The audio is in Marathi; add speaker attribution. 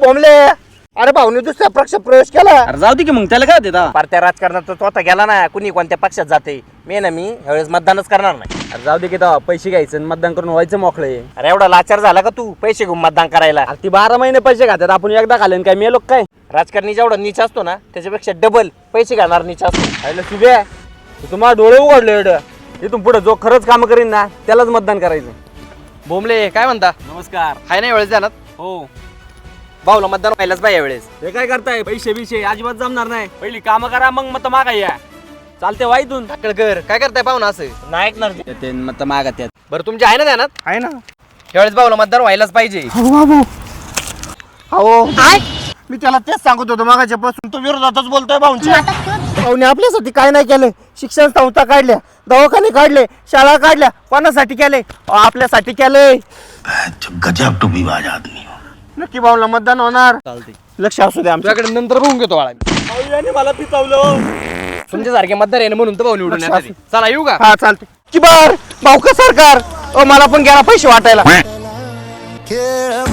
Speaker 1: बोंबले अरे भाऊने दुसऱ्या पक्षात प्रवेश केला.
Speaker 2: अरे जाऊ दे की मग त्याला काय देता.
Speaker 1: पार्ट्या राजकारणात तो आता गेला ना, कुणी कोणत्या पक्षात जाते. मी ह्यावेळेस मतदानच करणार नाही.
Speaker 2: अरे जाऊ दे की तेव्हा पैसे घ्यायचं आणि मतदान करून व्हायचं मोकळे.
Speaker 1: अरे एवढा लाचार झाला का तू पैसे घेऊन मतदान करायला.
Speaker 2: अरे ती 12 महिने पैसे खात्यात, आपण एकदा खाल्ले काय मेलो काय.
Speaker 1: राजकारणी जेवढा नीच असतो ना त्याच्यापेक्षा डबल पैसे घालणार नीच असतो.
Speaker 2: आयला सुबे तू तुम्हाला डोळे उघडले एवढं. इथून पुढे जो खरंच काम करीन ना त्यालाच मतदान करायचं.
Speaker 3: बोंबले काय म्हणता?
Speaker 2: नमस्कार.
Speaker 3: हाय ना वेळेस जाणार
Speaker 2: हो.
Speaker 3: भाऊला मतदान व्हायलाच पाहिजे यावेळेस.
Speaker 2: हे काय करताय, पैसे बिशे अजिबात जमणार नाही. पहिली कामं करा मग मत मागा या. चालते वाईतून
Speaker 3: टाकळकर काय करताय पाहुणा असं?
Speaker 1: नाही ऐकणार
Speaker 2: ते मत मागा त्यात.
Speaker 3: बरं तुमच्या आहे ना ध्यानात?
Speaker 2: आहे ना.
Speaker 3: यावेळेस भाऊला मतदान व्हायलाच पाहिजे.
Speaker 1: हो मी त्याला तेच सांगत होतो मागाच्या पासून. तो विरोधातच बोलतोय भाऊंच्या. भाऊने आपल्यासाठी काय नाही केलं. शिक्षण संस्था काढल्या, दवाखाने काढले, शाळा काढल्या. कोणासाठी केले? आपल्यासाठी केलंय.
Speaker 4: गजब टुपीबाज आदमी.
Speaker 1: नक्की भाऊला मतदान होणार.
Speaker 2: चालते.
Speaker 1: लक्ष असू द्या आमच्या.
Speaker 3: तुझ्याकडे नंतर बघून घेतो बाळा.
Speaker 2: मला पितावलं.
Speaker 3: तुमच्यासारखे मतदार आहे ना म्हणून तर भाऊ निवडून
Speaker 1: लक्ष
Speaker 3: येतात. चला येऊ का?
Speaker 1: हा चालते की बर भाऊ का सरकार. मला पण गेला पैसे वाटायला.
Speaker 4: खेळ